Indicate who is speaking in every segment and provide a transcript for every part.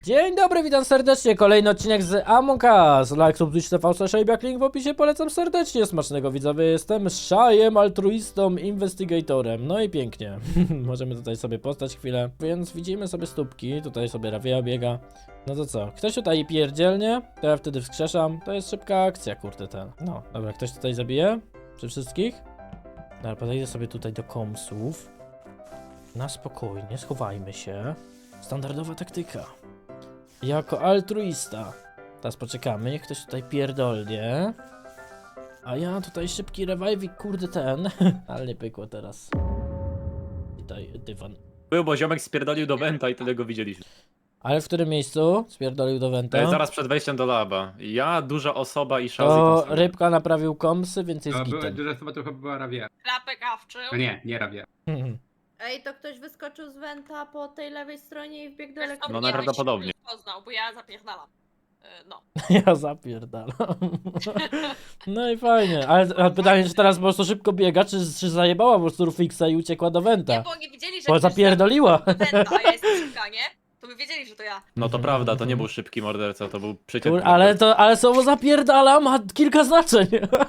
Speaker 1: Dzień dobry, witam serdecznie, kolejny odcinek z Among Us. Like, subskrypcj, TV, link w opisie, polecam serdecznie. Smacznego widzowie, jestem Szajem, altruistą, investigatorem. No i pięknie, możemy tutaj sobie postać chwilę. Więc widzimy sobie stópki, tutaj sobie Ravia biega. No to co, ktoś tutaj pierdzielnie, to ja wtedy wskrzeszam. To jest szybka akcja, kurde ten. No, dobra, ktoś tutaj zabije? Przy wszystkich? Dobra, podejdę sobie tutaj do komsów. Na spokojnie, schowajmy się. Standardowa taktyka. Jako altruista. Teraz poczekamy, niech ktoś tutaj pierdolnie. A ja tutaj szybki rewajwik, kurde ten. Ale nie pykło teraz. Tutaj dywan.
Speaker 2: Był, bo ziomek spierdolił do Wenta i tyle go widzieliśmy.
Speaker 1: Ale w którym miejscu spierdolił do Wenta?
Speaker 2: Zaraz przed wejściem do laba. Ja, duża osoba i Shazzy
Speaker 1: To
Speaker 2: tam są.
Speaker 1: rybka naprawił komsy, więc jest
Speaker 3: To
Speaker 1: gitem.
Speaker 3: duża osoba to chyba była Ravia.
Speaker 4: Klapek awczył.
Speaker 3: No nie Ravia.
Speaker 5: Ej, to ktoś wyskoczył z Wenta po tej lewej stronie i wbiegł do
Speaker 4: No
Speaker 5: elektryka.
Speaker 2: najprawdopodobniej.
Speaker 4: Poznał, bo ja zapierdalam. No.
Speaker 1: Ja zapierdalam. No i fajnie. Ale pytanie, czy teraz po prostu szybko biega, czy zajebała po prostu Rufixa i uciekła do
Speaker 4: Nie,
Speaker 1: Wenta?
Speaker 4: bo oni wiedzieli, że
Speaker 1: Bo
Speaker 4: ktoś
Speaker 1: zapierdoliła.
Speaker 4: zabił Wenta, a ja jestem szybka, nie? To by wiedzieli, że to ja.
Speaker 2: No to prawda, to nie był szybki morderca, to był przeciętny
Speaker 1: Ale słowo zapierdala ma kilka znaczeń.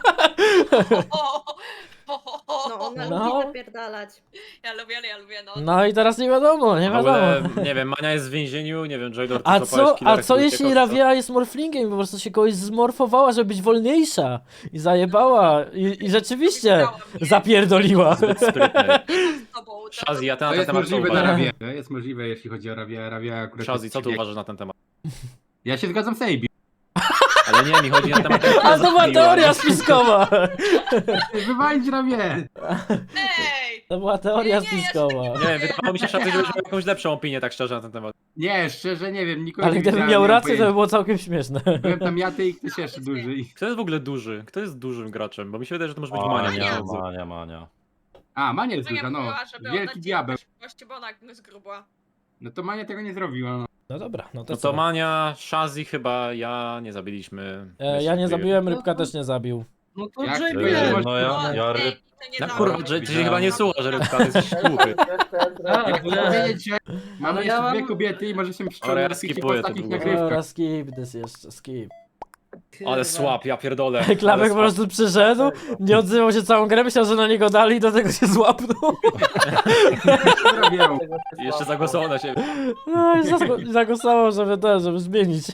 Speaker 5: No, ona
Speaker 1: No.
Speaker 5: lubi zapierdalać.
Speaker 4: Ja lubię, no.
Speaker 1: No i teraz nie wiadomo, nie
Speaker 2: W ogóle,
Speaker 1: wiadomo.
Speaker 2: nie wiem, Mania jest w więzieniu, nie wiem, Jailor, ty
Speaker 1: A
Speaker 2: złapałeś
Speaker 1: co
Speaker 2: killerek, który
Speaker 1: jeśli
Speaker 2: uciekał,
Speaker 1: Ravia jest morflingiem i po prostu się kogoś zmorfowała, żeby być wolniejsza i zajebała i rzeczywiście
Speaker 4: Widziałam, nie?
Speaker 1: zapierdoliła.
Speaker 2: Zbyt sprytnej.
Speaker 4: Z tobą, to-
Speaker 2: Shazzy, ja ty na
Speaker 3: To
Speaker 2: ten
Speaker 3: jest
Speaker 2: temat co
Speaker 3: możliwe dla
Speaker 2: uważasz?
Speaker 3: Ravia. To jest możliwe, jeśli chodzi o Ravia. Ravia akurat
Speaker 2: Shazzy,
Speaker 3: jest
Speaker 2: co ty
Speaker 3: przebieg.
Speaker 2: uważasz na ten temat?
Speaker 3: Ja się zgadzam z Abi.
Speaker 2: Ale nie, mi chodzi na temat...
Speaker 1: A to była teoria spiskowa.
Speaker 3: Wywalić Ravię!
Speaker 4: Ej!
Speaker 1: To była teoria
Speaker 4: Nie, ja się
Speaker 1: spiskowa.
Speaker 2: Nie wiem, wydawało mi się, Shazzy, żebyś miał jakąś lepszą opinię, tak szczerze, na ten temat.
Speaker 3: Nie, szczerze nie wiem, nikogo
Speaker 1: Ale
Speaker 3: nie
Speaker 1: gdybym
Speaker 3: widziałem,
Speaker 1: miał
Speaker 3: nie mam
Speaker 1: rację, to by
Speaker 3: pojęcia.
Speaker 1: było całkiem śmieszne.
Speaker 3: Byłem tam ja, ty i ktoś jeszcze duży.
Speaker 2: Kto jest w ogóle duży? Kto jest dużym graczem? Bo mi się wydaje, że to może być Mania.
Speaker 6: Mania.
Speaker 3: A, Mania jest
Speaker 4: No ja
Speaker 3: duża, no.
Speaker 4: mówiła, żeby
Speaker 3: Wielki
Speaker 4: oddać
Speaker 3: diabeł.
Speaker 4: gości, bo ona jest grubła.
Speaker 3: No to Mania tego nie zrobiła, no.
Speaker 1: No dobra, no to
Speaker 2: No
Speaker 1: co?
Speaker 2: to Mania, Shazzy chyba, ja nie zabiliśmy.
Speaker 1: Ja nie zabiłem, Rybka też nie zabił.
Speaker 7: No to
Speaker 3: Jak
Speaker 7: JBL.
Speaker 3: to jest?
Speaker 6: No ja
Speaker 4: Ej, to nie
Speaker 2: Na
Speaker 4: za
Speaker 2: kurwa,
Speaker 4: mną.
Speaker 2: ty się chyba nie słucha, że Rybka to jest głuchy.
Speaker 7: A,
Speaker 3: Jak
Speaker 7: bo
Speaker 3: chcę
Speaker 7: ja...
Speaker 3: powiedzieć, że mamy
Speaker 7: Ale
Speaker 3: jeszcze
Speaker 7: ja
Speaker 3: dwie
Speaker 7: mam-
Speaker 3: kobiety i może się
Speaker 2: Dobra, ja
Speaker 3: pszczoły po
Speaker 2: skipuję to
Speaker 3: ostatnich
Speaker 2: długo.
Speaker 3: nagrywkach.
Speaker 1: Dobra, skip this jeszcze, skip.
Speaker 2: Ale słab, ja pierdolę.
Speaker 1: Klapek
Speaker 2: Ale
Speaker 1: po
Speaker 2: słab.
Speaker 1: prostu przyszedł, nie odzywał się całą grę, myślał, że na niego dali i do tego się złapnął.
Speaker 3: Co robią?
Speaker 2: I jeszcze zagłosował na siebie.
Speaker 1: No i zagłosował, żeby zmienić.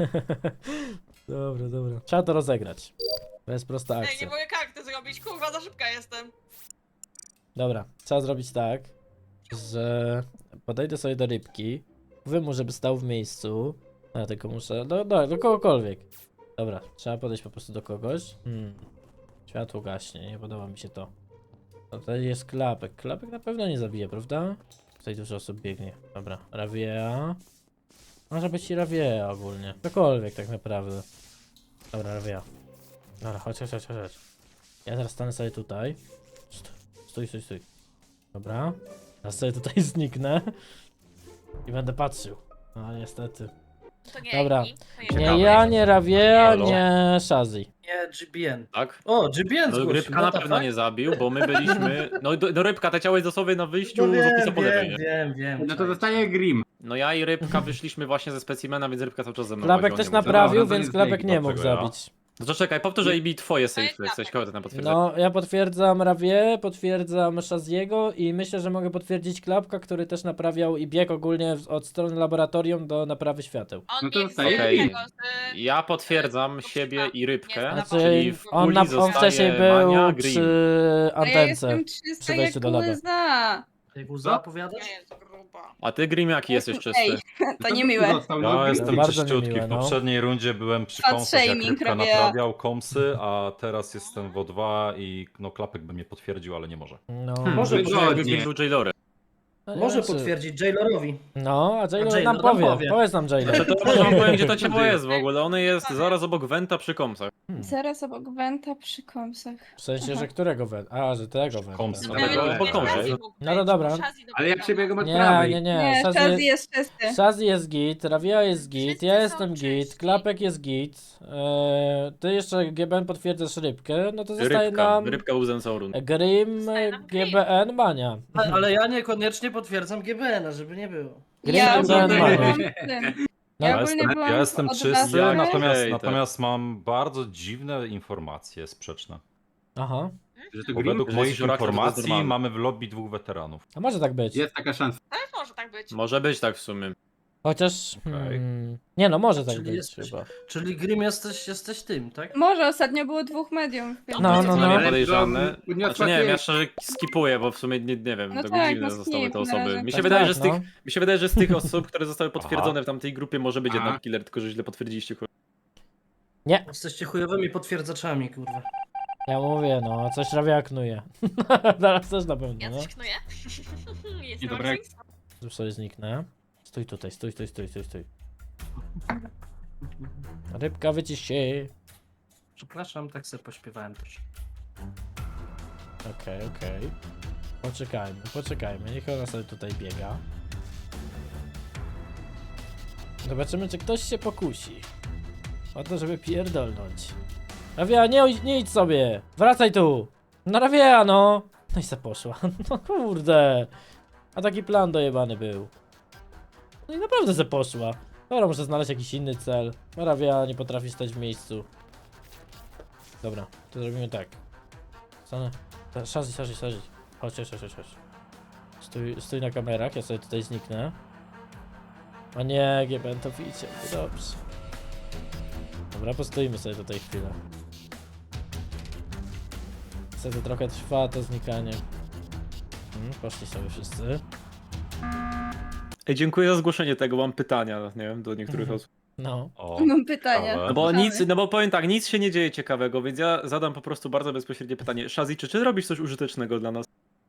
Speaker 1: Dobra. Trzeba to rozegrać. To jest prosta
Speaker 4: Ej, nie
Speaker 1: akcja.
Speaker 4: mogę karty zrobić, kurwa, za szybka jestem.
Speaker 1: Dobra, trzeba zrobić tak, że podejdę sobie do Rybki, powiem mu, żeby stał w miejscu. Ja tylko muszę, do kogokolwiek. Dobra, trzeba podejść po prostu do kogoś. Światło gaśnie, nie podoba mi się to. No tutaj jest Klapek. Klapek na pewno nie zabije, prawda? Tutaj dużo osób biegnie. Dobra, Ravia. Może być i Ravia ogólnie. Cokolwiek tak naprawdę. Dobra, Ravia. Dobra, chodź. Ja teraz stanę sobie tutaj. Stój. Dobra. Teraz sobie tutaj zniknę. I będę patrzył. No niestety.
Speaker 4: To nie
Speaker 1: Dobra.
Speaker 4: Amy, to
Speaker 1: Nie
Speaker 2: Ciekawe.
Speaker 1: ja, nie Ravia,
Speaker 2: Halo?
Speaker 1: nie Shazzy.
Speaker 7: Nie, GBN.
Speaker 2: Tak?
Speaker 7: O, GBN
Speaker 2: No,
Speaker 7: zgłosił.
Speaker 2: Rybka na pewno nie zabił, bo my byliśmy... No do Rybka, te ciało jest dosłownie na wyjściu
Speaker 7: No
Speaker 2: z opisu po lewej,
Speaker 7: wiem,
Speaker 2: nie?
Speaker 7: wiem.
Speaker 3: No to zostaje Grim.
Speaker 2: No ja i Rybka wyszliśmy właśnie ze specimena, więc Rybka cały czas ze mną
Speaker 1: Klapek
Speaker 2: łaziła,
Speaker 1: też
Speaker 2: nie mógł
Speaker 1: naprawił,
Speaker 3: Dobra, to
Speaker 1: więc
Speaker 3: jest
Speaker 1: Klapek
Speaker 3: link,
Speaker 1: nie mógł
Speaker 6: dlaczego ja?
Speaker 1: zabić.
Speaker 2: No to czekaj, powtórzę i twoje
Speaker 4: To jest
Speaker 2: safe, jesteś kogo ty tam potwierdzasz?
Speaker 1: No, ja potwierdzam Ravię, potwierdzam Shaziego i myślę, że mogę potwierdzić Klapka, który też naprawiał i biegł ogólnie od strony laboratorium do naprawy świateł.
Speaker 4: On
Speaker 3: No to
Speaker 4: nie
Speaker 3: zostaje
Speaker 4: jest
Speaker 2: Okej.
Speaker 4: tego z-
Speaker 2: Ja potwierdzam siebie i Rybkę,
Speaker 4: Nie,
Speaker 1: Znaczy,
Speaker 2: czyli w
Speaker 1: on,
Speaker 2: puli
Speaker 1: on
Speaker 2: zostaje
Speaker 1: wcześniej był
Speaker 2: Mania, Green.
Speaker 1: przy
Speaker 8: A ja
Speaker 1: antence.
Speaker 8: jestem
Speaker 1: przy
Speaker 8: czysta
Speaker 1: wejściu
Speaker 8: jak
Speaker 1: do laba.
Speaker 8: łza.
Speaker 7: Jak łza opowiadasz?
Speaker 4: Nie jest gruba.
Speaker 2: A ty, Grim, jaki jesteś czysty?
Speaker 8: Ej, to niemiłe.
Speaker 3: Został,
Speaker 6: Ja
Speaker 3: no,
Speaker 6: jestem
Speaker 1: bardzo
Speaker 6: czyściutki.
Speaker 1: niemiłe,
Speaker 6: W
Speaker 1: no.
Speaker 6: poprzedniej rundzie byłem przy
Speaker 8: Fat
Speaker 6: kąsach, jak
Speaker 8: shaming
Speaker 6: Rybka
Speaker 8: robię.
Speaker 6: naprawiał komsy, a teraz jestem w O2 i no Klapek by mnie potwierdził, ale nie może.
Speaker 1: No,
Speaker 7: Może
Speaker 2: Jakby
Speaker 3: Wygodnie.
Speaker 2: Green był Jailorem.
Speaker 1: no,
Speaker 7: Może
Speaker 1: znaczy-
Speaker 7: potwierdzić Jailorowi.
Speaker 1: No, a Jailor
Speaker 7: Jailor
Speaker 1: nam
Speaker 7: nam
Speaker 1: powie.
Speaker 7: powie.
Speaker 1: Powiedz nam Jailor.
Speaker 2: Znaczy to może wam powiem, gdzie to ciało jest w ogóle. Ono jest zaraz obok Wenta przy komsach.
Speaker 8: Zaraz obok Wenta przy kąsach.
Speaker 1: W sensie, że którego węd? A, że tego węd.
Speaker 6: Komsy.
Speaker 2: No,
Speaker 4: Nawet
Speaker 2: ale
Speaker 4: nie
Speaker 2: po
Speaker 4: wiem,
Speaker 2: kąsie.
Speaker 4: Shazzy mógł
Speaker 1: No to
Speaker 4: być,
Speaker 1: dobra.
Speaker 4: bo Shazzy
Speaker 3: Ale ja
Speaker 4: dopiero
Speaker 3: przebiegam od
Speaker 1: Nie,
Speaker 3: prawej.
Speaker 1: nie.
Speaker 8: Nie,
Speaker 1: Shazzy
Speaker 8: Shazzy jest czysty.
Speaker 1: Shazzy jest git, Ravia jest git,
Speaker 4: Wszyscy
Speaker 1: ja
Speaker 4: są
Speaker 1: jestem git,
Speaker 4: czyści.
Speaker 1: Klapek jest git, ty jeszcze GBN potwierdzasz Rybkę, no to zostaje
Speaker 2: Rybka,
Speaker 1: nam
Speaker 2: Rybka był Zensaurun.
Speaker 1: Grim,
Speaker 4: Zostaje nam Grim.
Speaker 1: GBN, Mania.
Speaker 7: Ale ja niekoniecznie potwierdzam GBN-a, żeby nie było.
Speaker 1: Gry
Speaker 8: Ja
Speaker 1: to
Speaker 8: byłam
Speaker 1: Mania.
Speaker 8: tym.
Speaker 1: No,
Speaker 8: Ja
Speaker 6: Ja
Speaker 8: ogólnie
Speaker 6: jestem,
Speaker 8: byłam
Speaker 6: ja jestem
Speaker 8: od
Speaker 6: czysty,
Speaker 8: razu.
Speaker 6: natomiast,
Speaker 2: Okej,
Speaker 6: natomiast mam bardzo dziwne informacje sprzeczne.
Speaker 1: Aha.
Speaker 3: Że to
Speaker 6: Bo
Speaker 3: Grim?
Speaker 6: według
Speaker 2: Że
Speaker 6: moich
Speaker 2: jesteś oraklem, to jest
Speaker 6: informacji
Speaker 2: normalne.
Speaker 6: mamy w lobby 2 weteranów.
Speaker 1: A może tak być.
Speaker 3: Jest taka szansa.
Speaker 4: Ale może tak być.
Speaker 2: Może być tak w sumie.
Speaker 1: Chociaż...
Speaker 6: Okej.
Speaker 1: Nie no, może tak
Speaker 7: Czyli
Speaker 1: być
Speaker 7: jesteś-
Speaker 1: chyba.
Speaker 7: Czyli Grim jesteś tym, tak?
Speaker 8: Może ostatnio było 2 medium. Więc
Speaker 1: No,
Speaker 2: To
Speaker 1: no,
Speaker 2: co
Speaker 1: no.
Speaker 2: najmniej podejrzane.
Speaker 3: Ale to podniosła
Speaker 2: Znaczy nie wiem,
Speaker 3: ty-
Speaker 2: ja szczerze skipuję, bo w sumie nie wiem,
Speaker 8: No
Speaker 2: tak
Speaker 8: tak,
Speaker 2: dziwne
Speaker 8: no
Speaker 2: zostały
Speaker 8: skip
Speaker 2: te
Speaker 8: na
Speaker 2: osoby.
Speaker 8: razie.
Speaker 2: Mi się
Speaker 1: Tak,
Speaker 2: wydaje,
Speaker 1: tak,
Speaker 2: że z
Speaker 1: no.
Speaker 2: tych, mi się wydaje, że z tych osób, które zostały potwierdzone w tamtej grupie, może być
Speaker 3: Aha.
Speaker 2: jednak killer, tylko że źle potwierdziliście.
Speaker 1: Nie,
Speaker 7: Jesteście chujowymi potwierdzaczami, kurwa.
Speaker 1: ja mówię, no, coś rawiaknuje. Zaraz też na pewno,
Speaker 4: Ja
Speaker 1: no.
Speaker 4: coś knuję. Jestem
Speaker 3: Niedobrego.
Speaker 4: aktywistą.
Speaker 1: Tu sobie zniknę. Stój tutaj, stój. Rybka, wycisz się.
Speaker 7: Przepraszam, tak sobie pośpiewałem też.
Speaker 1: Okej. Poczekajmy, niech ona sobie tutaj biega. Zobaczymy, czy ktoś się pokusi o to, żeby pierdolnąć. Rawia, nie idź sobie! Wracaj tu! No Rawia, no! No i se poszła. No kurde! A taki plan dojebany był. No i naprawdę se poszła. Dobra, muszę znaleźć jakiś inny cel. Rawia nie potrafi stać w miejscu. Dobra, to zrobimy tak. Stanę. Szarzyć. Chodź. Stój na kamerach, ja sobie tutaj zniknę. A nie, GBN to widzicie, dobrze. Dobra, postoimy sobie tutaj chwilę. Niestety trochę trwa to znikanie. Poszli sobie wszyscy.
Speaker 2: Ej, dziękuję za zgłoszenie tego, mam pytania, nie wiem, do niektórych osób.
Speaker 1: No.
Speaker 6: O,
Speaker 8: Mam pytanie.
Speaker 6: ciekawe.
Speaker 2: No bo powiem tak, nic się nie dzieje ciekawego, więc ja zadam po prostu bardzo bezpośrednie pytanie. Shazzy, czy robisz coś użytecznego dla nas?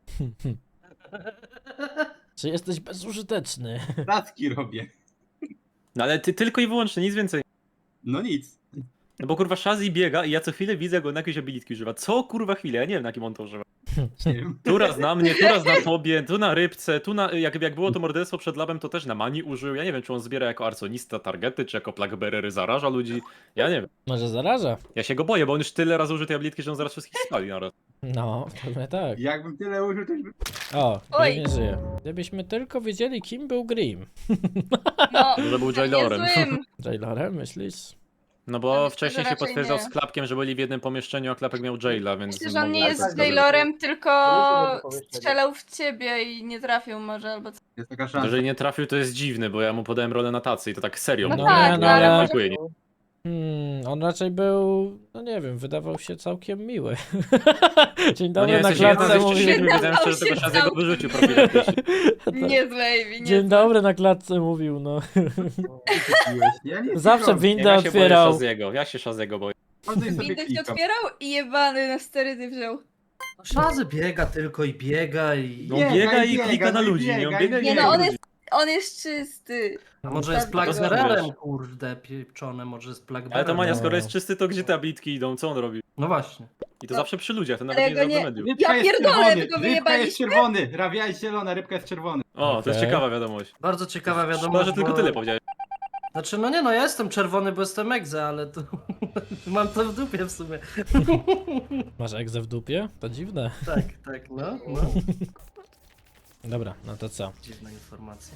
Speaker 1: Czy jesteś bezużyteczny?
Speaker 3: Taski robię.
Speaker 2: No ale ty tylko i wyłącznie, nic więcej.
Speaker 3: No nic.
Speaker 2: No bo kurwa Shazzy biega i ja co chwilę widzę go na jakieś abilitki używa. Co kurwa chwilę? Ja nie wiem na kim on to używa.
Speaker 3: Nie wiem.
Speaker 2: Tu raz na mnie, tu raz na tobie, tu na rybce, tu na... Jak było to morderstwo przed labem, to też na mani użył. Ja nie wiem, czy on zbiera jako arconista targety, czy jako plaguebearer zaraża ludzi. Ja nie wiem.
Speaker 1: Może zaraża?
Speaker 2: Ja się go boję, bo on już tyle razy użył tej abilitki, że on zaraz wszystkich spali naraz.
Speaker 1: No, pewnie tak.
Speaker 3: Jakbym tyle użył, to już by...
Speaker 1: O,
Speaker 8: Oj.
Speaker 1: nie żyje. Gdybyśmy tylko wiedzieli, kim był Grim.
Speaker 8: No,
Speaker 2: Może był Jailorem.
Speaker 8: niezłym.
Speaker 1: Jailorem, myślisz?
Speaker 2: No bo
Speaker 8: myślę,
Speaker 2: wcześniej
Speaker 8: że
Speaker 2: się
Speaker 8: raczej
Speaker 2: potwierdzał
Speaker 8: nie.
Speaker 2: z Klapkiem, że byli w jednym pomieszczeniu, a Klapek miał Jaila, więc...
Speaker 8: Myślę, że on nie
Speaker 2: mogło-
Speaker 8: jest
Speaker 7: tak,
Speaker 8: Jailorem, tylko strzelał w ciebie i nie trafił może, albo co.
Speaker 3: Jest taka
Speaker 2: To,
Speaker 3: szansa.
Speaker 2: Jeżeli nie trafił, to jest dziwne, bo ja mu podałem rolę na tacy i to tak serio.
Speaker 8: No
Speaker 2: mówię.
Speaker 8: tak,
Speaker 1: no
Speaker 2: nie
Speaker 1: ale-
Speaker 2: oczekuję nic.
Speaker 1: On raczej był, no nie wiem, wydawał się całkiem miły. Dzień
Speaker 2: No
Speaker 1: dobry,
Speaker 2: nie,
Speaker 1: na
Speaker 2: jesteś jeden
Speaker 1: klatce
Speaker 2: ze
Speaker 1: mówi...
Speaker 2: siedmiu, wiedziałem, że
Speaker 8: się
Speaker 2: tego Shazzy'ego
Speaker 8: całkiem.
Speaker 2: wyrzucił profilaktycznie.
Speaker 8: Niezłej, nie.
Speaker 1: Dzień dobry, na klatce mówił, no.
Speaker 3: Ja nie
Speaker 1: Zawsze
Speaker 3: wiem.
Speaker 1: windę
Speaker 2: Ja się boję
Speaker 1: otwierał.
Speaker 2: Shazzy'ego, ja się Shazzy'ego boję.
Speaker 3: Chodzę i sobie
Speaker 8: Windę się
Speaker 3: klikam.
Speaker 8: otwierał i jebany na sterydy wziął.
Speaker 7: No, Szazy biega tylko i biega i...
Speaker 2: No on biega i
Speaker 3: biega,
Speaker 2: klika na
Speaker 3: no i
Speaker 2: ludzi, nie? On
Speaker 3: biega,
Speaker 2: biega
Speaker 3: i
Speaker 2: i
Speaker 8: Nie
Speaker 2: klika
Speaker 8: no,
Speaker 2: na
Speaker 8: on
Speaker 2: ludzi.
Speaker 8: jest czysty.
Speaker 7: A może jest
Speaker 8: Tak,
Speaker 7: plagbererem,
Speaker 2: wiesz.
Speaker 7: kurde, pieprzone, może jest
Speaker 2: Ale
Speaker 7: plagbererem.
Speaker 2: to Mania,
Speaker 1: No.
Speaker 2: skoro jest czysty, to gdzie te ablitki idą? Co on robi?
Speaker 7: No właśnie.
Speaker 2: I to
Speaker 8: No.
Speaker 2: zawsze przy ludziach, to
Speaker 8: Ale
Speaker 2: nawet nie
Speaker 8: go
Speaker 2: jest
Speaker 8: nie-
Speaker 2: do mediów.
Speaker 3: Rybka
Speaker 8: Ja
Speaker 3: jest
Speaker 8: pierdolę,
Speaker 3: czerwony,
Speaker 8: tylko
Speaker 3: rybka jest
Speaker 8: wyjebaliśmy.
Speaker 3: czerwony, rawia jest zielona, rybka jest czerwony.
Speaker 2: O, to jest
Speaker 1: Okej.
Speaker 2: ciekawa wiadomość.
Speaker 7: Bardzo ciekawa
Speaker 2: Szkoda,
Speaker 7: wiadomość,
Speaker 2: że tylko
Speaker 7: bo-
Speaker 2: tyle powiedziałeś.
Speaker 7: Znaczy, no nie no, ja jestem czerwony, bo jestem egze, ale to... Mam to w dupie w sumie.
Speaker 1: Masz egzę w dupie? To dziwne.
Speaker 7: Tak, no.
Speaker 1: Dobra, no to co?
Speaker 7: Dziwna informacja.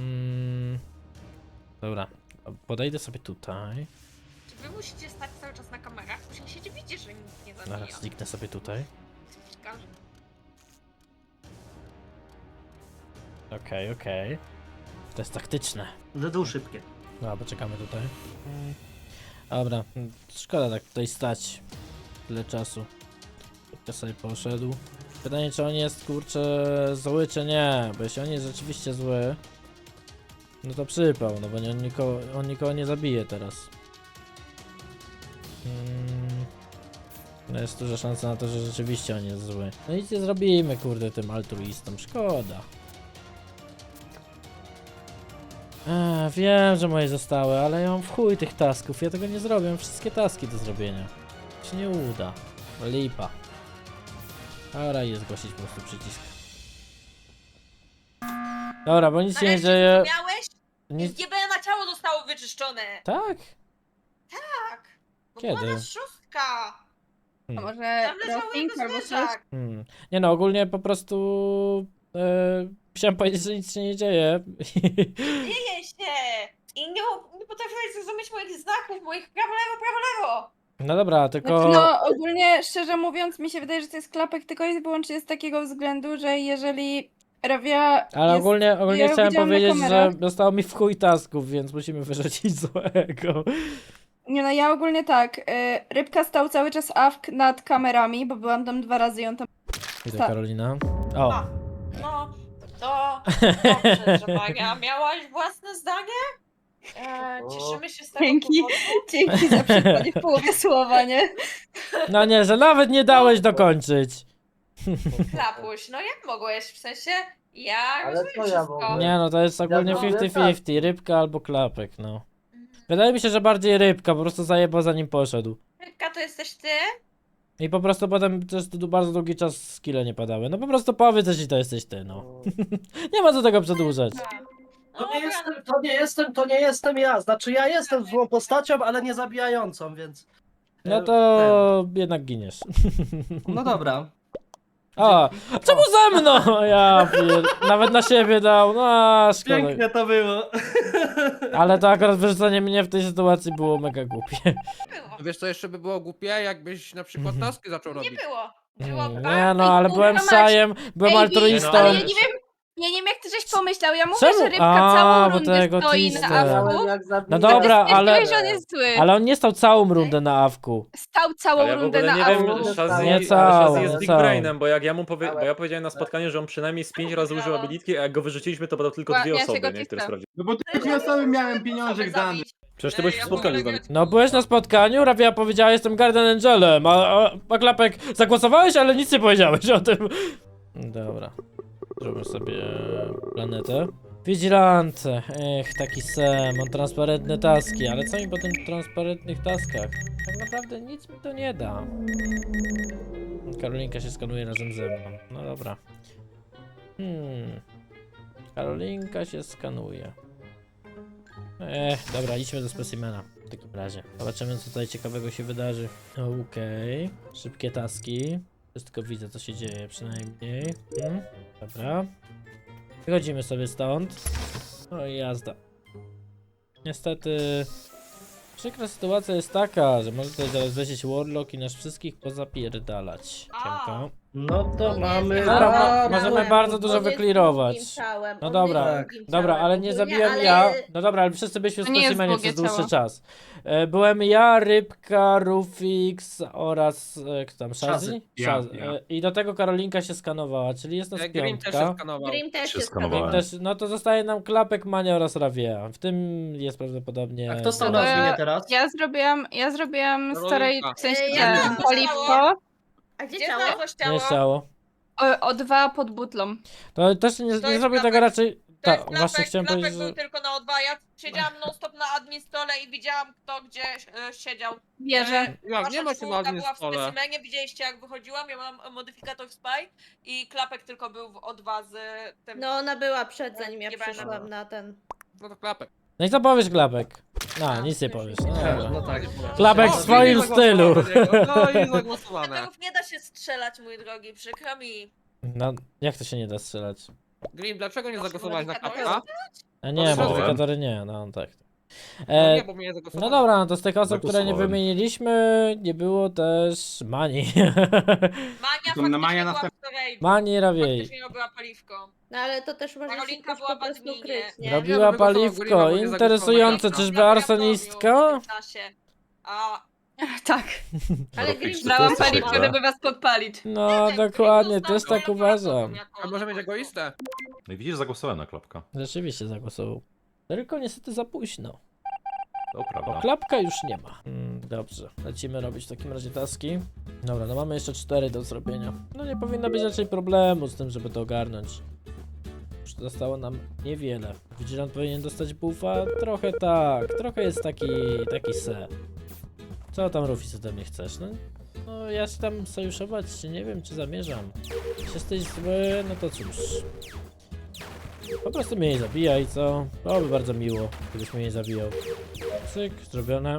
Speaker 1: Dobra, podejdę sobie tutaj.
Speaker 4: Czy wy musicie stać cały czas na kamerach? Musicie widzieć, że nikt nie zabija.
Speaker 1: Zaraz zniknę sobie tutaj.
Speaker 4: Ciekawe.
Speaker 1: Okej. To jest taktyczne.
Speaker 7: Dedół szybkie.
Speaker 1: Dobra, poczekamy tutaj. Dobra, szkoda tak tutaj stać. Tyle czasu. Ja sobie poszedł. Pytanie, czy on jest, kurczę, zły, czy nie. Bo jeśli on jest rzeczywiście zły, no to przypał, no bo on nikogo nie zabije teraz. No jest duża szansa na to, że rzeczywiście on jest zły. No nic nie zrobimy, kurde, tym altruistom. Szkoda. Wiem, że moje zostały, ale ja mam w chuj tych tasków. Ja tego nie zrobię, mam wszystkie taski do zrobienia. Się nie uda. Lipa. Dobra, jest zgłosić po prostu przycisk. Dobra, bo nic się nie
Speaker 4: Nareszcie
Speaker 1: dzieje.
Speaker 4: zrozumiałeś?
Speaker 1: Nic...
Speaker 4: GBN na ciało zostało wyczyszczone.
Speaker 1: Tak?
Speaker 4: Tak. Bo
Speaker 1: Kiedy?
Speaker 4: była nas szóstka.
Speaker 8: A może
Speaker 4: Tam leżały
Speaker 8: Rosting
Speaker 4: jego
Speaker 8: albo coś?
Speaker 4: zwierzak.
Speaker 1: Nie no, ogólnie po prostu... chciałem powiedzieć, że nic się nie dzieje.
Speaker 4: Dzieje się. I nie potrafiłeś zrozumieć moich znaków, moich prawo, lewo.
Speaker 1: No dobra, tylko...
Speaker 8: Znaczy, no ogólnie, szczerze mówiąc, mi się wydaje, że to jest klapek tylko i wyłącznie z takiego względu, że jeżeli Rawia
Speaker 1: Ale
Speaker 8: jest...
Speaker 1: ogólnie
Speaker 8: ja
Speaker 1: chciałem
Speaker 8: widziałam na
Speaker 1: powiedzieć, że
Speaker 8: kamerach.
Speaker 1: zostało mi w chuj tasków, więc musimy wyrzucić złego.
Speaker 8: Nie no, ja ogólnie tak, Rybka stał cały czas nad kamerami, bo byłam tam 2 razy i on tam...
Speaker 1: Witaj,
Speaker 8: Tak.
Speaker 1: Karolina. O,
Speaker 4: A. No, to dobrze, że Maria, miałaś własne zdanie? Cieszymy się z tego
Speaker 8: Dzięki.
Speaker 4: powodu.
Speaker 8: Dzięki za przerwanie w połowie słowa, nie?
Speaker 1: no nie, że nawet nie dałeś dokończyć.
Speaker 4: Klapuś, no jak mogłeś? W sensie, ja
Speaker 9: Ale
Speaker 4: rozumiem
Speaker 9: co ja
Speaker 4: wszystko.
Speaker 9: mogłem?
Speaker 1: Nie no, to jest ogólnie
Speaker 9: Ja mówię
Speaker 1: 50-50, rybka albo klapek, no. Wydaje mi się, że bardziej rybka, po prostu zajebał zanim poszedł.
Speaker 4: Rybka, to jesteś ty?
Speaker 1: I po prostu potem też tu bardzo długi czas skille nie padały. No po prostu powiedz, jeśli to jesteś ty, no. Nie ma co tego przedłużać.
Speaker 7: To nie jestem ja. Znaczy ja jestem złą postacią, ale nie zabijającą, więc...
Speaker 1: No to jednak giniesz.
Speaker 7: No dobra.
Speaker 1: A, czemu ze mną? Ja nawet na siebie dał, no a, szkoda.
Speaker 7: Pięknie to było.
Speaker 1: Ale to akurat wyrzucenie mnie w tej sytuacji było mega głupie.
Speaker 4: Było.
Speaker 10: Wiesz co jeszcze by było głupie, jakbyś na przykład taski zaczął
Speaker 4: Nie
Speaker 10: robić.
Speaker 4: było. Było
Speaker 1: Nie no, ale byłem szajem, byłem
Speaker 8: Ej,
Speaker 1: altruistą.
Speaker 8: ale ja nie wiem jak ty żeś pomyślał, ja mówię,
Speaker 1: Czemu?
Speaker 8: że Rybka
Speaker 1: A,
Speaker 8: całą
Speaker 1: bo
Speaker 8: rundę
Speaker 1: tego
Speaker 8: stoi
Speaker 1: twista.
Speaker 8: na awku.
Speaker 1: No dobra, ale,
Speaker 8: Stwierdziłeś, że on jest zły.
Speaker 1: ale on nie stał całą rundę na awku.
Speaker 8: Stał całą
Speaker 2: Ale ja w
Speaker 8: rundę
Speaker 2: ogóle
Speaker 8: na
Speaker 2: nie
Speaker 8: awku.
Speaker 2: wiem, Shazzy,
Speaker 1: Nie
Speaker 2: ale
Speaker 1: całą,
Speaker 2: Shazzy jest
Speaker 1: nie
Speaker 2: big
Speaker 1: całą.
Speaker 2: brainem, bo jak ja mu bo ja powiedziałem na spotkaniu, że on przynajmniej z 5 razy użył abilitki, a jak go wyrzuciliśmy, to będą tylko
Speaker 8: Ja
Speaker 2: 2
Speaker 8: się
Speaker 2: osoby,
Speaker 8: go
Speaker 2: nie, które
Speaker 8: cisnę.
Speaker 2: sprawdziły.
Speaker 3: No bo te osoby miałem pieniążek dany.
Speaker 2: Przecież ty byłeś w spotkaniu z nami.
Speaker 1: No byłeś na spotkaniu, Rawia powiedziała, jestem Guardian Angelem, a Klapek zagłosowałeś, ale nic nie powiedziałeś o tym. Dobra, zróbmy sobie planetę. Vigilante, taki Sam, on transparentne taski, ale co mi po tych transparentnych taskach? Tak naprawdę nic mi to nie da. Karolinka się skanuje razem ze mną, no dobra. Karolinka się skanuje. Dobra, idźmy do specimena w takim razie. Zobaczymy, co tutaj ciekawego się wydarzy. Okej, szybkie taski. Wszystko widzę, co się dzieje przynajmniej. Dobra. Wychodzimy sobie stąd. No i jazda. Niestety... Przykra sytuacja jest taka, że może tutaj zaraz wlecieć Warlock i nas wszystkich pozapierdalać. Siemka.
Speaker 7: No to mamy...
Speaker 1: Dobra, możemy bardzo dużo
Speaker 5: On jest
Speaker 1: wyklirować.
Speaker 5: drugim ciałem,
Speaker 1: No
Speaker 5: on
Speaker 1: dobra,
Speaker 5: jest drugim
Speaker 1: dobra,
Speaker 5: ciałem
Speaker 1: ale nie
Speaker 5: ogólnie,
Speaker 1: zabiłem
Speaker 5: ale-
Speaker 1: ja. No dobra, ale wszyscy byliśmy w
Speaker 8: To nie jest
Speaker 1: specimenie
Speaker 8: długie
Speaker 1: przez dłuższy
Speaker 8: ciało.
Speaker 1: czas. Byłem ja, Rybka, Rufix oraz kto tam, Shazzy?
Speaker 7: Shazzy.
Speaker 3: Ja.
Speaker 1: I do tego Karolinka się skanowała, czyli jest nas
Speaker 10: Grim też się
Speaker 1: piątka.
Speaker 10: skanował.
Speaker 5: Grim też
Speaker 6: Się
Speaker 5: jest
Speaker 6: skanowałem.
Speaker 1: Też, no to zostaje nam Klapek, Mania oraz Rawia. W tym jest prawdopodobnie...
Speaker 7: A kto stał na adminie teraz?
Speaker 8: Ja zrobiłam starej, w sensie
Speaker 5: Ja
Speaker 8: te
Speaker 5: nie
Speaker 8: paliwko
Speaker 5: A gdzie
Speaker 4: Gdzie
Speaker 5: ciało?
Speaker 4: znalazłeś
Speaker 1: Nie
Speaker 4: ciało?
Speaker 1: chciało.
Speaker 8: o 2 pod butlą.
Speaker 1: To też nie
Speaker 4: To jest
Speaker 1: zrobię tego
Speaker 4: Klapek.
Speaker 1: raczej...
Speaker 4: To jest
Speaker 1: Tak, właśnie chciałem
Speaker 4: Klapek
Speaker 1: powiedzieć,
Speaker 4: był
Speaker 1: że...
Speaker 4: tylko na O2, ja siedziałam non stop na admin stole i widziałam kto gdzie siedział.
Speaker 8: Wierzę.
Speaker 10: Jak nie ma się
Speaker 4: czwórka
Speaker 10: na
Speaker 4: była w
Speaker 10: stole.
Speaker 4: specimenie, widzieliście jak wychodziłam, ja mam modyfikator Spy i Klapek tylko był w O2 z tym...
Speaker 5: No ona była przed zanim ja
Speaker 4: Nie będę.
Speaker 5: przyszłam na ten.
Speaker 10: No to klapek.
Speaker 1: No i co powiesz, Klapek? No, nic nie powiesz. No, dobra.
Speaker 7: No tak.
Speaker 1: Klapek w swoim stylu.
Speaker 10: No i zagłosowane.
Speaker 4: Meteorów nie da się strzelać, mój drogi, przykro mi.
Speaker 1: No, jak to się nie da strzelać?
Speaker 10: Grim, dlaczego nie zagłosowałeś na
Speaker 4: Modyfikator
Speaker 10: klapka?
Speaker 1: A nie,
Speaker 6: Strzelałem.
Speaker 1: modyfikatory nie, no tak.
Speaker 10: No nie, bo mnie nie
Speaker 1: No
Speaker 10: zagłosowałeś.
Speaker 1: dobra, no to z tych osób, które nie
Speaker 6: Zagłosowałem.
Speaker 1: wymieniliśmy, nie było też Mani.
Speaker 4: Mania
Speaker 3: To na Mania
Speaker 4: faktycznie była
Speaker 3: następ-
Speaker 4: w storage.
Speaker 1: Mani Rawiej.
Speaker 4: Faktycznie robiła paliwko.
Speaker 5: No ale to też może się
Speaker 4: Karolinka
Speaker 5: ktoś
Speaker 4: była
Speaker 5: po prostu
Speaker 4: w adminie.
Speaker 5: kryć, nie?
Speaker 1: Robiła
Speaker 10: Ja bym głosował
Speaker 1: paliwko,
Speaker 10: Grima, bo nie
Speaker 1: interesujące,
Speaker 10: zagłosowałem.
Speaker 1: czyżby arsonistka?
Speaker 4: W czasie. A
Speaker 8: Tak.
Speaker 5: Ale
Speaker 6: Rufix,
Speaker 5: Grim
Speaker 6: czy ty
Speaker 8: Brałam
Speaker 6: jesteś
Speaker 8: paliwko,
Speaker 6: ekstra?
Speaker 8: żeby was podpalić.
Speaker 1: No, dokładnie, też tak uważam.
Speaker 10: A może mieć egoistę?
Speaker 6: No i widzisz, zagłosowałem na klapka.
Speaker 1: Rzeczywiście zagłosował. Tylko niestety za późno.
Speaker 6: To
Speaker 1: Bo
Speaker 6: prawda.
Speaker 1: klapka już nie ma. Dobrze, lecimy robić w takim razie taski. Dobra, no mamy jeszcze 4 do zrobienia. No nie powinno być raczej problemu z tym, żeby to ogarnąć. Już zostało nam niewiele. Vigilant powinien dostać buffa? Trochę tak, trochę jest taki se. Co tam, Rufis, ode mnie chcesz? No ja się tam sojuszować nie wiem, czy zamierzam. Jeśli jesteś zły, no to cóż. Po prostu mnie nie zabijaj, co? Byłoby bardzo miło, gdybyś mnie nie zabijał. Cyk, zrobione.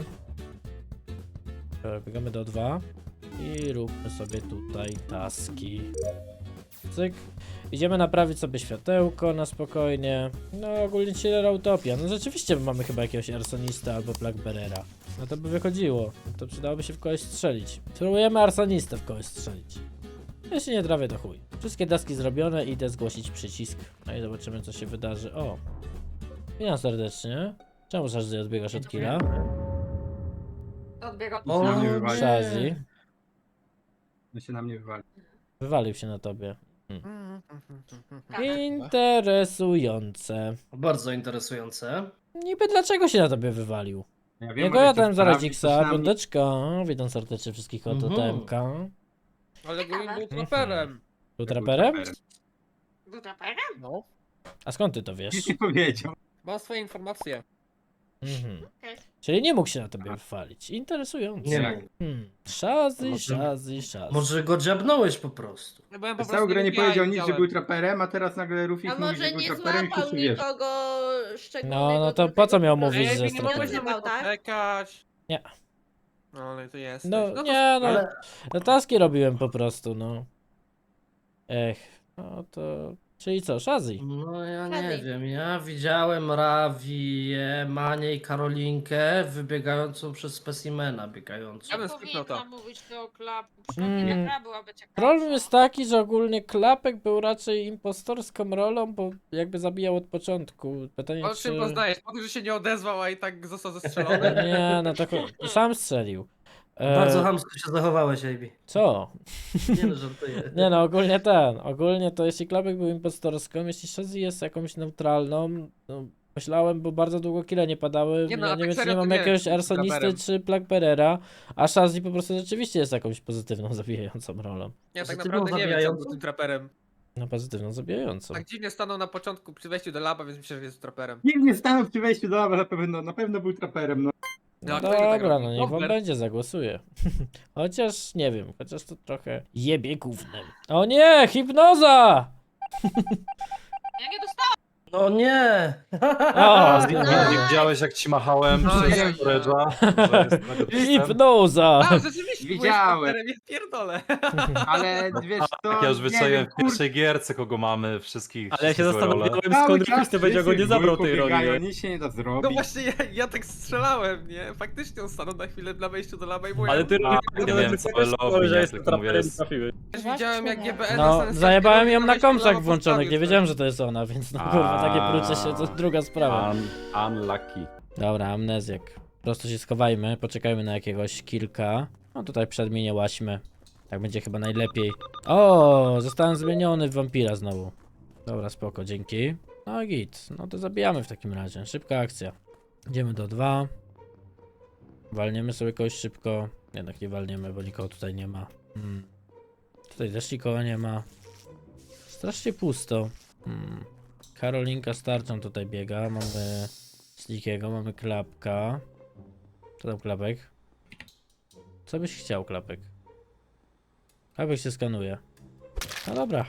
Speaker 1: Dobra, biegamy do 2 i róbmy sobie tutaj taski. cyk. Idziemy naprawić sobie światełko na spokojnie. No ogólnie chiller utopia. No rzeczywiście mamy chyba jakiegoś arsonista albo plagbearera. No to by wychodziło. To przydałoby się w kogoś strzelić. Spróbujemy arsonistę w kogoś strzelić. Jeśli nie trafię, to chuj. Wszystkie taski zrobione, idę zgłosić przycisk. No i zobaczymy, co się wydarzy. O! Witam serdecznie. Czemu Shazzy odbiegasz od killa?
Speaker 4: Odbiegam.
Speaker 3: O, na mnie wywali.
Speaker 1: Shazzy.
Speaker 3: No się na mnie wywali.
Speaker 1: Wywalił się na tobie.
Speaker 4: Tak.
Speaker 1: Interesujące.
Speaker 7: Bardzo interesujące.
Speaker 1: Niby dlaczego się na tobie wywalił?
Speaker 3: Ja
Speaker 1: Ja
Speaker 3: może
Speaker 1: ja
Speaker 3: chcesz
Speaker 1: tam zaraz
Speaker 3: sprawdzić,
Speaker 1: Xa,
Speaker 3: coś na mnie-
Speaker 1: piąteczka. Witam serdecznie wszystkich od OTM-ka.
Speaker 10: Ale Green był traperem.
Speaker 1: Był traperem?
Speaker 4: Był traperem?
Speaker 10: No.
Speaker 1: A skąd ty to wiesz?
Speaker 3: Nic nie powiedział.
Speaker 10: Mam swoje informacje.
Speaker 1: Mhm.
Speaker 4: Okej.
Speaker 1: Czyli nie mógł się na tobie wywalić. Interesujące.
Speaker 7: Nie
Speaker 3: Jak?
Speaker 7: mógł.
Speaker 1: Shazzy,
Speaker 7: Może-
Speaker 1: Shazzy.
Speaker 7: Może go dziabnąłeś po prostu.
Speaker 10: Ja byłem po
Speaker 3: Przez
Speaker 10: prostu
Speaker 3: całą grę nie
Speaker 10: FBI
Speaker 3: powiedział nic, że
Speaker 10: widziałem.
Speaker 3: był traperem, a teraz nagle Rufik
Speaker 5: A
Speaker 3: mówi,
Speaker 5: może
Speaker 3: że był
Speaker 5: nie
Speaker 3: traperem i
Speaker 5: złapał
Speaker 3: wszyscy wiesz.
Speaker 5: nikogo szczególnego.
Speaker 1: No to
Speaker 5: tylko
Speaker 1: po co miał
Speaker 5: po prostu
Speaker 1: mówić,
Speaker 10: Ej,
Speaker 1: że
Speaker 10: nie
Speaker 1: jest
Speaker 10: mogłeś
Speaker 1: traperem?
Speaker 10: na
Speaker 5: traperem?
Speaker 10: mnie
Speaker 5: Tak?
Speaker 10: poczekać.
Speaker 1: Nie.
Speaker 10: No ale to jest.
Speaker 1: No
Speaker 10: to
Speaker 1: nie, no.
Speaker 7: Ale
Speaker 1: No taski robiłem po prostu, no. No to... Czyli co, Shazzy?
Speaker 7: no ja nie
Speaker 5: Shazzy.
Speaker 7: wiem, ja widziałem Rawię, Manię i Karolinkę wybiegającą przez specimena, biegającą.
Speaker 10: Ja bym skipnął to.
Speaker 4: Powinna mówić do klap. Przynajmniej
Speaker 1: Mm.
Speaker 4: gra byłaby ciekawa.
Speaker 1: Problem jest taki, że ogólnie Klapek był raczej impostorską rolą, bo jakby zabijał od początku. Pytanie,
Speaker 10: O
Speaker 1: czy...
Speaker 10: czym poznajesz? Po tym, że się nie odezwał, a i tak został zestrzelony.
Speaker 1: Nie, no to sam strzelił.
Speaker 7: Bardzo chamsko się zachowałeś, AB.
Speaker 1: Co?
Speaker 7: Nie no, żartuję.
Speaker 1: Nie no, ogólnie to jeśli Klapek był impostorską, jeśli Shazzy jest jakąś neutralną, no myślałem, bo bardzo długo kile nie padały,
Speaker 10: Nie no, a
Speaker 1: nie
Speaker 10: tak
Speaker 1: wiem czy
Speaker 10: serio
Speaker 1: nie
Speaker 10: to
Speaker 1: mam
Speaker 10: nie,
Speaker 1: jakiegoś
Speaker 10: z
Speaker 1: arsonisty
Speaker 10: Traperem.
Speaker 1: czy Plagbearera, a Shazzy po prostu rzeczywiście jest jakąś pozytywną, zabijającą rolą.
Speaker 10: Ja tak
Speaker 7: Że ty
Speaker 10: naprawdę
Speaker 7: był
Speaker 10: nie wiem, co
Speaker 7: zabijający?
Speaker 10: był tym traperem.
Speaker 1: No pozytywną, zabijającą.
Speaker 10: Tak dziwnie stanął na początku przy wejściu do laba, więc myślę, że jest traperem.
Speaker 3: Nikt nie stanął przy wejściu do lawa, na pewno był traperem, no.
Speaker 1: No
Speaker 10: No, kto inny tak
Speaker 1: dobra,
Speaker 10: robi?
Speaker 1: no niech wam
Speaker 10: Bobber.
Speaker 1: będzie, zagłosuję. Chociaż nie wiem, chociaż to trochę jebie gównem. O nie, hipnoza!
Speaker 4: Ja nie dostałam.
Speaker 7: No nie!
Speaker 1: O,
Speaker 6: Nie widziałeś jak ci machałem
Speaker 3: No,
Speaker 6: przez
Speaker 3: ja-
Speaker 6: storage'a, że jest negatywem?
Speaker 1: hipnoza!
Speaker 10: A, rzeczywiście, byłeś
Speaker 3: Widziałem.
Speaker 10: traperem, ja pierdolę.
Speaker 3: Ale wiesz co,
Speaker 6: Tak, ja już
Speaker 3: nie
Speaker 6: wyczaiłem
Speaker 3: wiem,
Speaker 6: w pierwszej gierce, kogo mamy, wszystkich.
Speaker 2: Ale ja się
Speaker 6: wszystkie role.
Speaker 2: zastanawiałem,
Speaker 3: cały
Speaker 2: skąd
Speaker 3: czas
Speaker 2: Rufus powiedział, go nie
Speaker 3: wszyscy
Speaker 2: zabrał
Speaker 3: dwójką
Speaker 2: tej roli.
Speaker 3: biegają,
Speaker 2: nie?
Speaker 3: nic się nie da
Speaker 10: No
Speaker 3: zrobić.
Speaker 10: właśnie, ja tak strzelałem, nie? Faktycznie on stanął na chwilę na wejściu do laba i byłem.
Speaker 2: Ale ty
Speaker 6: A,
Speaker 2: Rufus,
Speaker 6: nie miałem całe lobby,
Speaker 2: że
Speaker 6: nie,
Speaker 2: jest
Speaker 6: tylko mówię,
Speaker 2: traperem i
Speaker 6: jest-
Speaker 2: trafiłeś.
Speaker 10: też widziałem jak GBN
Speaker 1: No, zajebałem ją na
Speaker 10: wejściu do
Speaker 1: komsach
Speaker 10: laba
Speaker 1: włączonych, nie
Speaker 10: postawił
Speaker 1: wiedziałem, że to jest ona, więc no kurwa, takie prucie się, to druga sprawa.
Speaker 6: Unlucky.
Speaker 1: Dobra, amnezjak. Po prostu się schowajmy, poczekajmy na jakiegoś kilka. No tutaj przed mnie nie łaśmy. Tak będzie chyba najlepiej. O, zostałem zmieniony w wampira znowu. Dobra, spoko, dzięki. No git, no to zabijamy w takim razie. Szybka akcja. Idziemy do 2. Walniemy sobie kogoś szybko. Jednak nie walniemy, bo nikogo tutaj nie ma. Tutaj też nikogo nie ma. Strasznie pusto. Karolinka z tarczą tutaj biega. Mamy Slickiego, mamy Klapka. Co tam Klapek? Co byś chciał, Klapek? Klapek się skanuje. No dobra.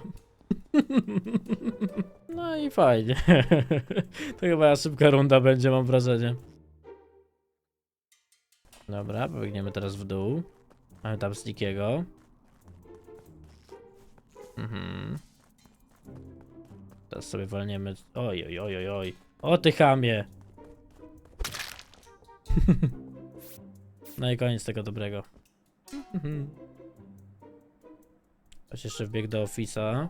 Speaker 1: No i fajnie. To chyba szybka runda będzie, mam wrażenie. Dobra, pobiegniemy teraz w dół. Mamy tam Slickiego. Teraz sobie walniemy. Oj, oj, oj, oj, oj. O ty chamie! No i koniec tego dobrego. Ktoś jeszcze wbiegł do Office'a.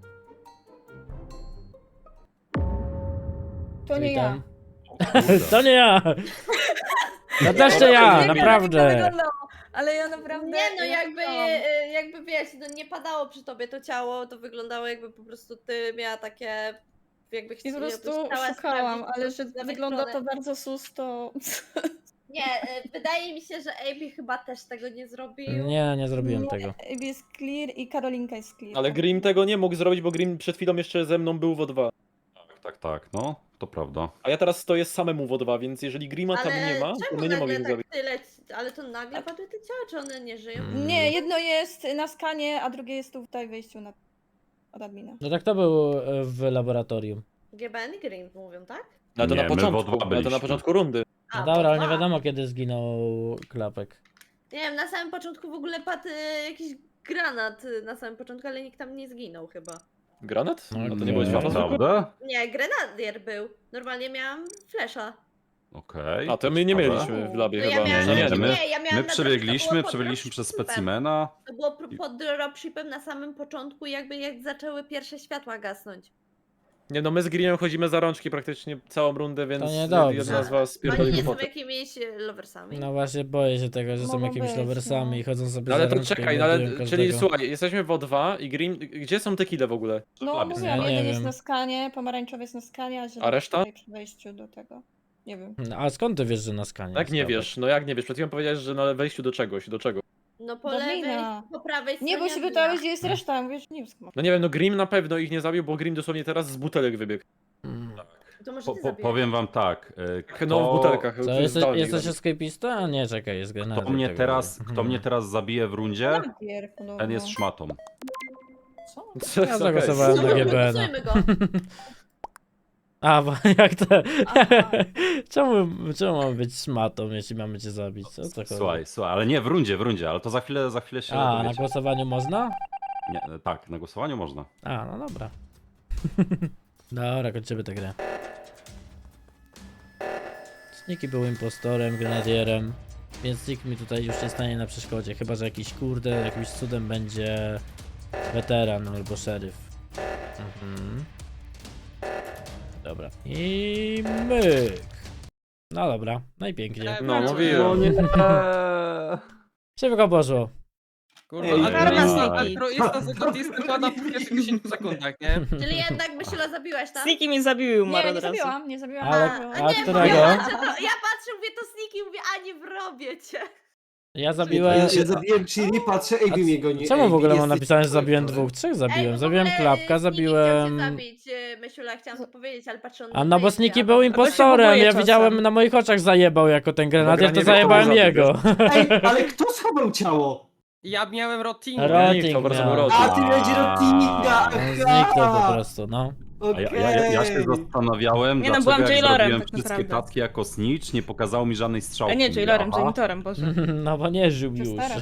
Speaker 8: To nie ja.
Speaker 1: To nie ja! To też nie ja, naprawdę!
Speaker 8: Ale ja naprawdę...
Speaker 5: Nie no,
Speaker 8: ja
Speaker 5: jakby,
Speaker 8: chciałam.
Speaker 5: jakby wiesz, no nie padało przy tobie to ciało, to wyglądało jakby po prostu ty miała takie, jakby
Speaker 8: I po prostu szukałam,
Speaker 5: sprawdzić,
Speaker 8: ale
Speaker 5: co
Speaker 8: że
Speaker 5: z lewej
Speaker 8: wygląda to
Speaker 5: strony.
Speaker 8: bardzo sus, to...
Speaker 5: Nie, wydaje mi się, że AB chyba też tego nie zrobił.
Speaker 1: Nie, nie zrobiłem
Speaker 8: Nie,
Speaker 1: tego.
Speaker 8: Abby jest clear i Karolinka jest clear.
Speaker 2: Ale Grim tego nie mógł zrobić, bo Grim przed chwilą jeszcze ze mną był w O2.
Speaker 6: Tak, no, to prawda.
Speaker 2: A ja teraz stoję samemu w O2, więc jeżeli Grima tam nie ma, to
Speaker 5: czemu
Speaker 2: my nie
Speaker 5: nagle
Speaker 2: mogliśmy
Speaker 5: tak
Speaker 2: zrobić.
Speaker 5: tyle, ale to nagle padły te ciała, czy one nie żyją?
Speaker 8: Nie, jedno jest na skanie, a drugie jest tutaj w wejściu od admina.
Speaker 1: No tak to był w laboratorium.
Speaker 5: GBN i Green mówią, tak?
Speaker 2: No to
Speaker 6: Nie,
Speaker 2: na
Speaker 6: my w
Speaker 2: początku,
Speaker 6: O2
Speaker 2: ale to na
Speaker 6: byliśmy.
Speaker 2: początku rundy.
Speaker 1: No
Speaker 5: A,
Speaker 1: dobra, ale
Speaker 5: bo
Speaker 1: nie
Speaker 5: dwa.
Speaker 1: wiadomo kiedy zginął Klapek.
Speaker 5: Nie wiem, na samym początku w ogóle padł jakiś granat na samym początku, ale nikt tam nie zginął chyba.
Speaker 2: Granat?
Speaker 1: No,
Speaker 2: No to
Speaker 1: nie.
Speaker 2: nie było światło zwykłe?
Speaker 6: Naprawdę?
Speaker 5: Nie, grenadier był. Normalnie miałam flesza.
Speaker 6: Okej.
Speaker 2: A to my nie
Speaker 6: ciekawe.
Speaker 2: mieliśmy w labie
Speaker 5: No ja
Speaker 2: chyba.
Speaker 5: miałam,
Speaker 6: Nie,
Speaker 5: nie,
Speaker 6: nie, my-
Speaker 5: ja miałam
Speaker 6: My
Speaker 5: na
Speaker 6: przebiegliśmy
Speaker 5: to było pod
Speaker 6: przez
Speaker 5: dropshipem.
Speaker 6: specimena.
Speaker 5: To było pod dropshipem na samym początku, jakby jak zaczęły pierwsze światła gasnąć.
Speaker 2: Nie no, my z Greenem chodzimy za rączki praktycznie całą rundę, więc
Speaker 1: niedobrze.
Speaker 2: jedna z was
Speaker 5: Oni
Speaker 2: pierdoli
Speaker 5: nie są
Speaker 2: głupotę.
Speaker 5: jakimiś loversami.
Speaker 1: No właśnie boję się tego, że są
Speaker 8: Mogą
Speaker 1: jakimiś
Speaker 8: być,
Speaker 1: loversami
Speaker 8: no.
Speaker 1: i chodzą sobie
Speaker 2: No ale
Speaker 1: za
Speaker 2: to
Speaker 1: rączkę i
Speaker 2: czekaj, no
Speaker 1: mordują
Speaker 2: ale, czyli
Speaker 1: każdego.
Speaker 2: słuchaj, jesteśmy w O2 i Green, gdzie są te kile w ogóle?
Speaker 8: No
Speaker 6: Labie
Speaker 8: mówiłam,
Speaker 1: są. Ja nie
Speaker 8: jeden jest
Speaker 1: wiem.
Speaker 8: na skanie, pomarańczowy jest na skanie, a zielony
Speaker 2: A reszta?
Speaker 8: tutaj przy wejściu do tego. Nie wiem.
Speaker 1: No, a skąd ty wiesz, że na skanie?
Speaker 2: Jak nie
Speaker 1: jest
Speaker 2: wiesz, no jak nie wiesz, przed chwilą powiedziałeś, że na wejściu do czegoś, do czego?
Speaker 5: No po
Speaker 8: Do
Speaker 5: lewej,
Speaker 8: Blina.
Speaker 5: po prawej stronie.
Speaker 8: Nie, bo się
Speaker 5: Blina.
Speaker 8: pytałeś, gdzie jest reszta, ja mówię, że nie wiem skąd.
Speaker 2: No nie wiem, no Grim na pewno ich nie zabił, bo Grim dosłownie teraz z butelek wybiegł.
Speaker 1: Mm.
Speaker 5: To może ty zabijesz.
Speaker 6: Powiem wam tak.
Speaker 2: No w butelkach.
Speaker 1: Co,
Speaker 2: zdalnie
Speaker 1: jesteś
Speaker 2: zabił.
Speaker 1: escapista? A nie, czekaj, jest granat.
Speaker 6: Kto mnie teraz zabije w rundzie,
Speaker 8: Najpierw, no,
Speaker 6: ten jest
Speaker 8: no.
Speaker 6: szmatą.
Speaker 8: Co?
Speaker 1: Ja
Speaker 2: Okej.
Speaker 1: zagłosowałem na
Speaker 5: Słuchaj,
Speaker 1: GBN.
Speaker 5: głosujmy go.
Speaker 1: A, bo jak to...
Speaker 8: Aha.
Speaker 1: czemu mamy być szmatą, jeśli mamy cię zabić? O co chodzi?
Speaker 6: Słuchaj, ale nie, w rundzie, ale to za chwilę się
Speaker 1: A, na
Speaker 6: dowiecie.
Speaker 1: głosowaniu można?
Speaker 6: Nie, tak, na głosowaniu można.
Speaker 1: A, no dobra. Dobra, kończymy tę grę. Sniki był impostorem, grenadierem, więc nikt mi tutaj już nie stanie na przeszkodzie, chyba że jakiś kurde, jakimś cudem będzie weteran albo szeryf. Mhm. Dobra. I myk. No dobra, no i pięknie.
Speaker 2: No mówiłem.
Speaker 1: Szybko poszło.
Speaker 10: Kurwa,
Speaker 3: Ej,
Speaker 10: altruista z autistą pada po pierwszych 10 sekundach, nie?
Speaker 5: Czyli jednak Mysila zabiłaś, tak?
Speaker 9: Sniki mi zabił, umarł
Speaker 8: Nie,
Speaker 9: od
Speaker 8: nie
Speaker 9: razu.
Speaker 8: zabiłam, nie zabiłam.
Speaker 1: Ale-
Speaker 8: ale...
Speaker 1: a
Speaker 5: nie,
Speaker 1: którego?
Speaker 5: Ja patrzę, mówię to Sniki, mówię, a nie wrobię cię.
Speaker 1: Ja zabiłem...
Speaker 3: Ja zabiłem Chili, patrzę, Amy mnie goni.
Speaker 1: Czemu w ogóle mam
Speaker 3: jesteś
Speaker 1: napisane, że zabiłem
Speaker 3: impostorem.
Speaker 1: dwóch? Trzech
Speaker 5: Ej,
Speaker 1: zabiłem.
Speaker 5: bo w
Speaker 1: Zabiłem
Speaker 5: ogóle,
Speaker 1: Klapka,
Speaker 5: Sniki
Speaker 1: zabiłem...
Speaker 5: chciał cię zabić, Mysiula, chciałam to powiedzieć, ale patrzę
Speaker 1: A no bo
Speaker 5: wejście,
Speaker 1: Sniki
Speaker 5: a
Speaker 1: był
Speaker 5: potem-
Speaker 1: impostorem,
Speaker 9: boję
Speaker 1: ja
Speaker 9: czasem.
Speaker 1: widziałem na moich oczach zajebał jako ten grenadier, to
Speaker 2: Dobra, nie wiem, kto
Speaker 1: zajebałem
Speaker 2: był
Speaker 1: jego.
Speaker 3: Ej, ale kto schował ciało?
Speaker 10: Ja miałem rotinę.
Speaker 1: Rotting
Speaker 2: to bardzo
Speaker 1: miał.
Speaker 2: był
Speaker 3: A, ty będzie Rotinga!
Speaker 1: On zniknął po prostu, no.
Speaker 6: A ja się zastanawiałem,
Speaker 9: Nie, no,
Speaker 6: dlaczego
Speaker 9: byłam
Speaker 6: jak
Speaker 9: jailorem,
Speaker 6: zrobiłem
Speaker 9: tak
Speaker 6: wszystkie
Speaker 9: naprawdę.
Speaker 6: tacki jako snitch, nie pokazało mi żadnej strzałki.
Speaker 9: A nie, jailerem,
Speaker 6: Aha.
Speaker 9: janitorem, boże.
Speaker 1: No bo nie żył już.
Speaker 8: Przestaram.